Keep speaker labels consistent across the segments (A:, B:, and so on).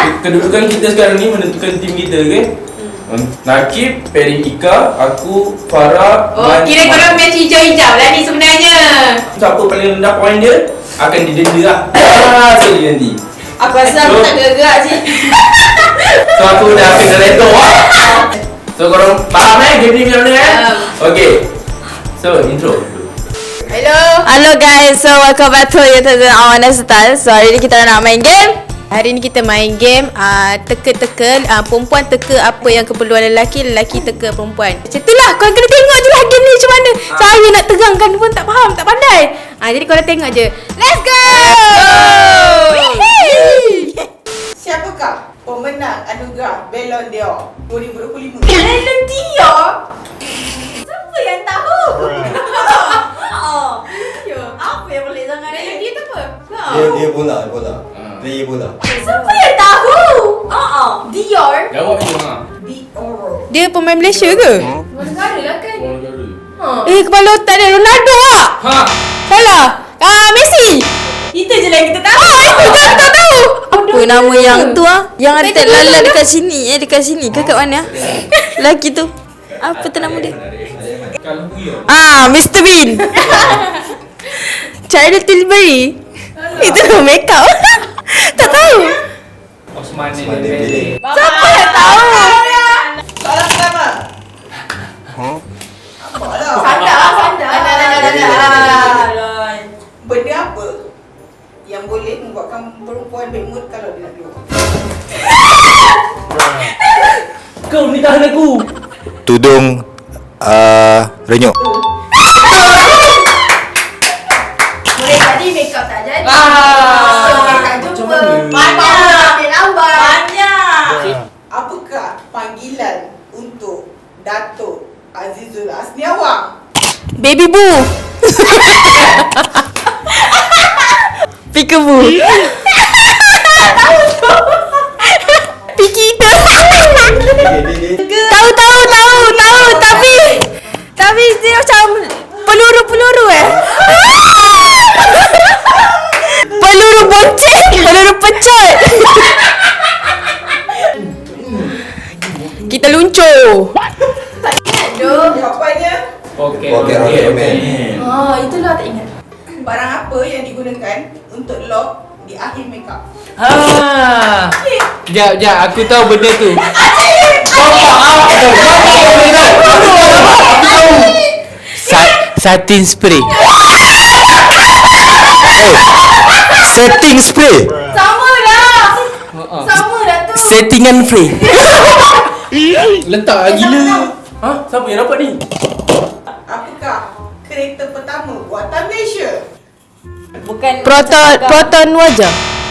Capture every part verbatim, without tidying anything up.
A: kedudukan kita sekarang ni menentukan tim kita, okey? Hmm. Nakib, pairing Ika, aku, Farah.
B: Oh, kira korang match hijau-hijau lah ni sebenarnya.
A: Siapa paling rendah point dia akan didenda lah. Ah, sorry nanti.
B: Aku rasa aku tak gerak cik.
A: So aku dah akan director lah. So korang faham eh game ni macam mana eh? Okay. So intro.
B: Hello.
C: Hello guys, so welcome back to YouTube Awana Style. So hari ni kita nak main game. Hari ni kita main game uh, teka-teka, uh, perempuan teka apa yang keperluan lelaki, lelaki teka perempuan. Macam tu lah, korang kena tengok je lah game ni macam mana. Saya nak terangkan pun tak faham, tak pandai. uh, Jadi korang tengok je. Let's go, Let's go!
D: Siapakah pemenang anugerah Ballon d'Or dua ribu dua puluh lima?
B: Ballon d'Or? Siapa yang tahu? Oh, apa yang boleh sangat Ballon d'Or tu apa?
E: Dia dia bola, bola. Player bola.
B: Siapa yang tahu? Oh, Dior.
A: Jawab je ha.
D: Dior.
C: Dia pemain Malaysia ke?
B: Luar negara lah kan?
A: Orang negara.
C: Eh, kepala otak dia Ronaldo tak?
A: Ha.
C: Salah. Ah, Messi.
B: Itu je lah yang kita tahu.
C: Ah, itu kan tak tahu. Apa nama yang tu ah? Yang ada tak lalat dekat sini, eh dekat sini ke kat mana? Lelaki tu. Apa tu nama dia?
A: Kalau Buyo.
C: Ah, Mister Bean. Charlotte Tilbury. Itu nama make up. Tak tahu.
A: Osman
E: Osman
A: Dembele.
E: Dembele.
C: Siapa yang tahu?
D: Soalan pertama. Apa lah?
B: Sandar lah, sandar.
D: Benda apa yang boleh membuatkan perempuan bad mood kalau dia nak keluar?
A: Kau ni tahan aku.
E: Tudung uh, renyuk.
B: Boleh jadi make up tak jadi.
A: Ah.
B: Tak jumpa.
A: Macam mana?
B: Banyak. Ambil lambat. Banyak.
D: Apakah panggilan untuk Datuk Azizul Asniawang?
C: Baby Boo. Peekaboo. Pikita. Tahu tahu tahu tahu tapi tapi dia macam peluru-peluru eh. Peluru bonceng, peluru pecut. Kita luncur.
B: Aduh.
D: Jawapannya,
A: Okey.
E: Okey, okey, okey.
B: Oh, itulah tak ingat.
D: barang apa yang digunakan untuk lock di akhir makeup?
F: Ah. Jap, jap, aku tahu benda tu. Sa- satin spray.
E: Setting spray.
B: Sama lah. Sama dah tu.
F: Settingan free.
A: Letak lah gila. Ha? Siapa yang dapat ni?
D: Apakah kereta pertama buatan Malaysia?
B: Bukan
C: Proton proton wajah.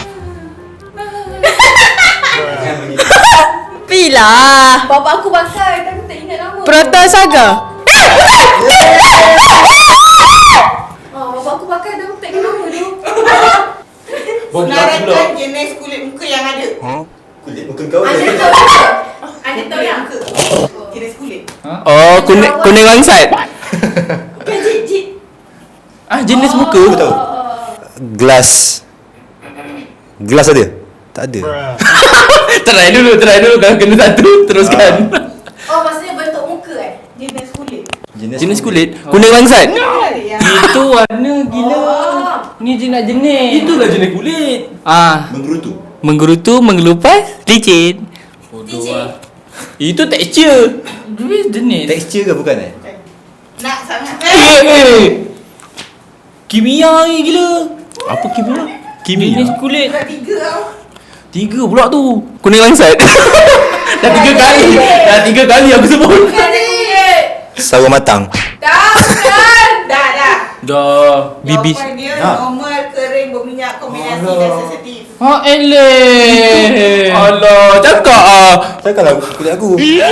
C: Pila.
B: Bapa aku pakai tapi tak ingat nama.
C: Proton Saga.
B: Oh, bapa aku pakai tapi tak ingat nama tu.
A: Bagi aku pula.
D: Senaraikan jenis kulit muka yang ada.
E: Kulit muka kau
B: Anda
E: je.
B: tahu tak? Anda tahu yang
D: muka. Jenis kulit.
F: Oh, kuning kuning langsat.
B: Bukan jit jit.
F: Ah, jenis muka.
E: Aku tahu. Gelas. Gelas ada? Tak ada.
F: Try dulu, try dulu. Kalau kena satu, teruskan.
B: Oh, maksudnya bentuk muka eh?
D: Jenis kulit.
F: Jenis kulit kuning langsat.
D: Ada yang
F: Itu warna gila.
B: Oh.
F: Ni jenis jenis.
A: Itulah jenis kulit.
F: Ah,
E: Menggerutu.
F: menggerutu, mengelupas, licin.
A: Bodoh lah.
F: Itu tekstur. Dia jenis.
E: Tekstur ke bukan eh?
D: nak sangat.
F: Eh, eh. Kimia ni gila. Apa kimia?
E: Kimia?
F: Jenis kulit.
D: Dah tiga tau.
F: Tiga pula tu. Kuning langsat. Dah tiga kali. Dah tiga kali aku sebut.
B: Bukan jit.
E: Sawo matang.
B: Dah bukan.
D: Dah dah.
F: Dah. Bibis.
D: Jawapan dia
E: Nak.
D: normal, kering, berminyak, kombinasi dan sensitif.
F: Ha eleh. Allah, cakap ah.
E: Takkanlah kulit aku.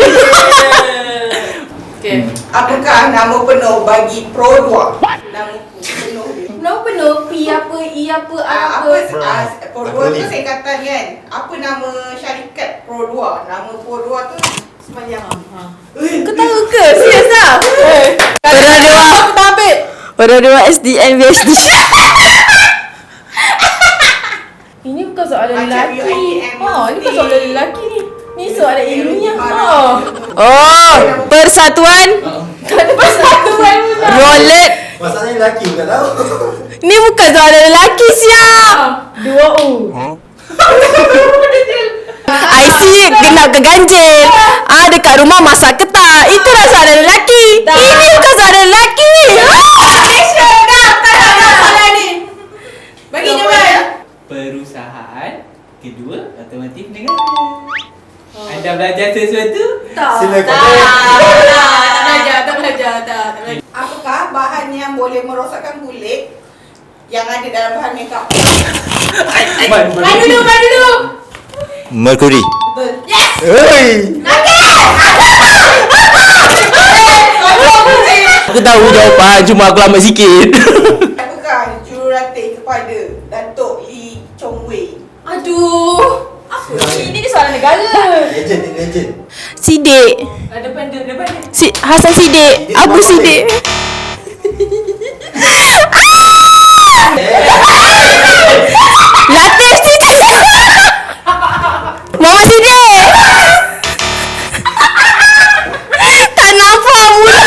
B: Okay.
D: Apakah nama penuh bagi Pro dua? Nama penuh dia.
B: Penuh penuh P apa I apa A
D: Ah,
B: apa.
D: apa ah, Pro dua tu
E: Acronym.
D: singkatan kan? Apa nama syarikat Pro dua? Nama Pro dua tu sepanjang.
C: Kau tahu ke? Serius ah? Orang dua. Aku tak ambil. Orang dua S D N V H D.
B: Ini bukan soalan
D: Macam U I
B: lelaki.
D: T M.
B: Oh. Ini kan soalan lelaki ni. Ni soalan ilmiah. Oh.
C: Oh, persatuan
B: Ada persatuan pula.
C: rolet.
E: Masalahnya lelaki bukan tahu.
C: Ni bukan soalan lelaki siap.
B: Dua U.
C: I see genap ke ganjil. Ah, dekat rumah masak ke tak? Itulah soalan lelaki. Ini bukan soalan lelaki.
B: Malaysia dah. Tak nak nak soalan ni. Bagi jawapan.
F: Perusahaan kedua otomotif negara. Anda belajar sesuatu?
B: Tak.
E: Silakan.
B: Tak. Tak belajar, tak belajar, tak. Tak belajar.
D: Apakah bahan yang boleh merosakkan kulit yang ada dalam bahan makeup?
F: Man,
B: Main dulu, main dulu.
E: Mercury.
D: Betul.
B: Yes.
E: Oi.
F: Aku tahu jawapan, cuma aku lambat sikit.
D: Apakah jurulatih kepada Datuk Lee Chong Wei?
B: Aduh. Apa ni? Ini soalan negara.
E: Legend ni legend.
C: Sidik.
B: Ah, depan dia, depan dia.
C: Si Hasan Sidik. Abu Sidik. Latif Sidik. Muhammad Sidik. Tak nampak mula.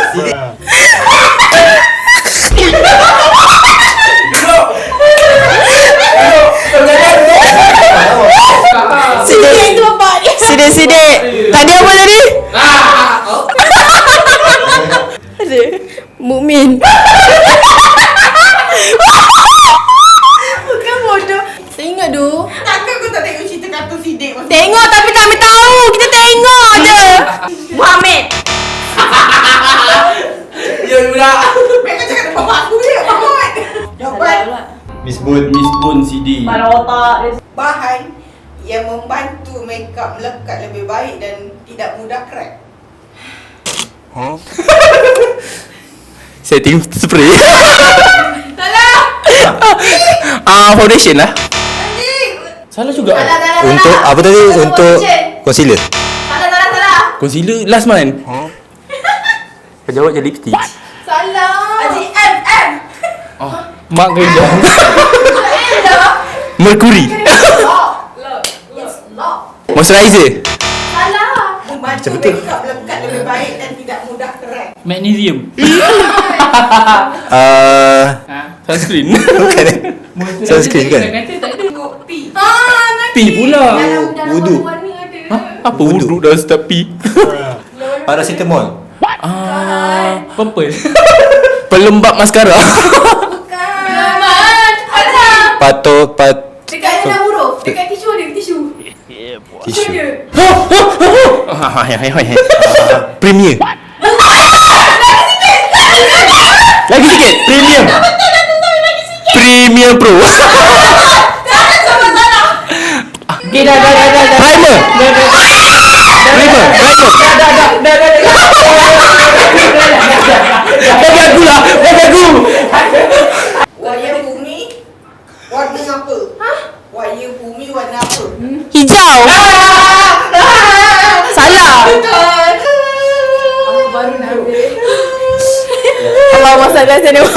C: Sidik. Sidik Sidik. Tadi apa tadi? Ada Mukmin.
B: Bukan bodoh. Saya ingat tu.
D: Takkan kau tak tengok cerita kartun Sidik masa
C: Tengok tapi tak ambil tahu. Kita tengok je. Muhammad.
A: Ya budak.
D: Mereka cakap depan mak aku je, Mahmud. Jawapan
E: Miss Bun.
F: Miss Bun Sidi.
B: Kepala otak dia.
D: bahan yang membantu makeup melekat lebih baik dan tidak mudah crack.
F: Setting spray.
B: Salah.
F: Ah, foundation lah.
B: Anjing.
F: Salah juga.
B: Salah, salah, salah.
E: Untuk apa tadi?
B: Salah
E: Untuk
B: foundation.
E: concealer.
B: Salah, salah, salah.
F: Concealer last month. Kau jawab je lipstick.
B: Salah. Haji M, M.
F: Oh, mak gendong.
B: M dah.
F: Mercury.
B: Lock. Lock. It's lock.
F: Moisturizer.
B: Salah.
D: Membantu makeup melekat lebih baik dan tidak mudah crack.
F: Magnesium.
E: Ah,
F: Ha, sunscreen.
E: bukan eh? Sunscreen kan?
F: Kata tak ada.
D: Tengok P.
B: Ah, nanti.
F: P pula.
B: Dalam, dalam
E: Wudu.
B: warna ada.
F: Ha? Apa wuduk dah start P?
E: Paracetamol.
F: Ah, purple. Pelembab maskara.
B: Bukan. Man. Ada.
E: Patok pat
B: Dekat ada huruf. Dekat tisu ada tisu.
E: tisu.
B: Ada.
F: Premier. Lagi sikit. Premium. Premium Pro.
B: Jangan sama salah.
F: Okay, dah, dah, dah, dah. Primer. Primer. Primer. Bagi aku lah. Bagi aku.
D: Wayar bumi warna apa? Hah? Wayar bumi warna apa?
C: Hijau. Salah.
B: Aku baru nak ambil.
C: Allah masak biasa ni.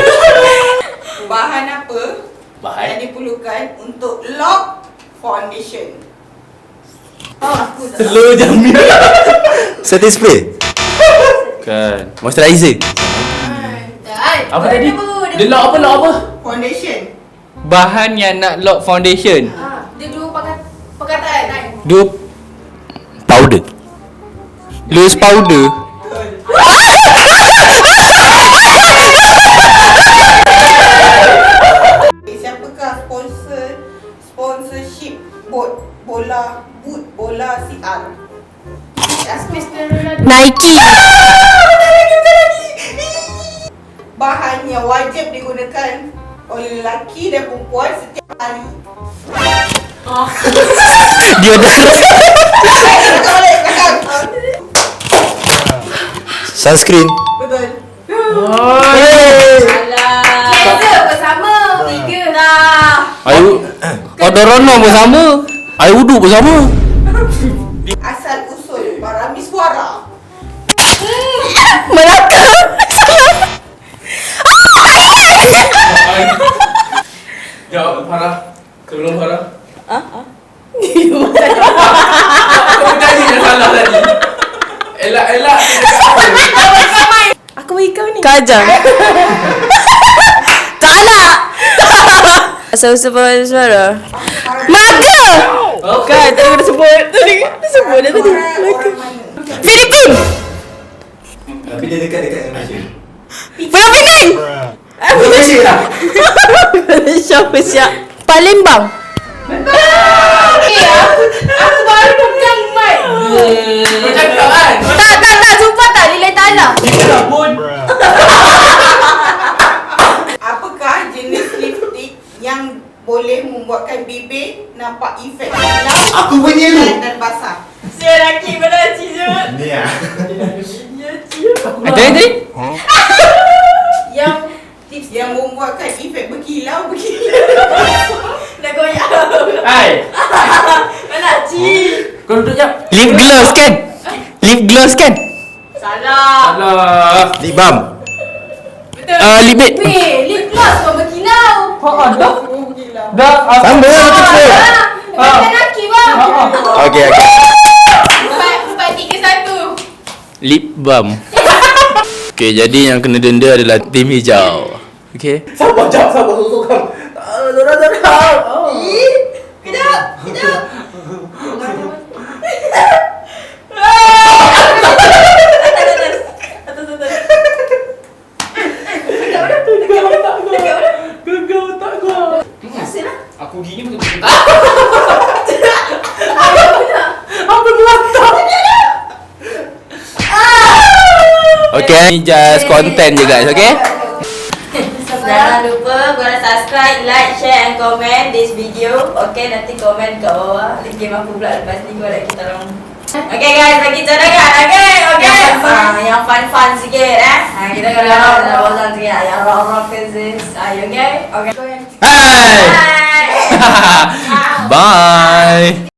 D: Bahan apa
F: Bahan?
D: yang diperlukan untuk lock foundation?
B: Oh, aku tak.
F: Slow jamin.
E: Setting spray.
F: Kan. Moisturizer.
B: Dan.
F: Apa tadi? Dia lock apa? Lock apa?
D: Foundation.
F: Bahan yang nak lock foundation.
B: Ah, dia dua pakat perkataan kan.
F: Dua powder. Loose powder.
D: Siapakah sponsor sponsorship bot bola boot bola C R?
B: Mister Ronaldo.
C: Nike.
D: Bahan yang wajib digunakan oleh lelaki dan perempuan setiap hari.
F: Dia dah.
D: Belakang balik, belakang.
E: Sunscreen.
D: Betul.
B: Alah. Cleanser bersama. Tiga dah.
F: Ayu. Odorono bersama. Air wuduk bersama.
D: Asal usul parami suara.
C: Melaka.
A: Jawab Farah. Sebelum Farah.
C: Yo.
B: kau ni.
C: Kajang. Tak nak. Asal-asal pakai suara. Melaka. Kan, tadi kena sebut. Tadi kena sebut dah tadi. Melaka. Filipin.
E: Tapi dia dekat-dekat Malaysia.
C: Pulau Pinang.
A: Malaysia lah.
C: Malaysia Malaysia. Palembang.
B: Eh, aku, aku baru pegang mic.
A: Kau cakap kan?
C: Tak, tak, tak. Sumpah tak. Lillahi ta'ala.
A: Dia lah pun.
D: Apakah jenis lipstick yang boleh membuatkan bibir nampak efek hilang
E: Aku punya ni.
D: dan basah?
B: Si lelaki pada ciut.
E: Ni ah.
F: Ada tadi?
B: Yang lipstick
D: Yang membuatkan efek berkilau berkilau.
B: dah goyang.
A: Hai.
B: Mana Ci?
A: Kau duduk jap.
F: Lip gloss kan? Lip gloss kan?
B: Salah.
A: Alah.
E: Lip balm.
B: Betul.
F: Ah, lip babe.
B: Weh, lip gloss kau berkilau.
A: Ha dah. Dah.
E: Sama lah macam tu.
B: Ah, bukan lelaki bang.
E: Okey, okey.
B: Empat, empat, tiga, satu.
F: Lip balm. Okay, jadi yang kena denda adalah tim hijau. Okay.
A: Sabar jap, sabar sorang. Dorang dorang.
B: Ih, kejap, kejap.
A: Gegar otak gua.
B: Hasil lah.
A: Aku gini betul-betul. Apa melantang?
F: Okay, ni just content je guys, okay?
C: Jangan lupa korang subscribe, like, share and comment this video. Okay, nanti komen kat bawah. Link game apa pula lepas ni korang kita orang. Okay guys, bagi cadangan. Okay, okay. Yang fun, yang fun-fun sikit eh. Ha, kita kalau nak bosan sikit. Yang rock-rock physics. Ayo, okay? Okay.
F: Hai!
C: Bye.
F: Bye!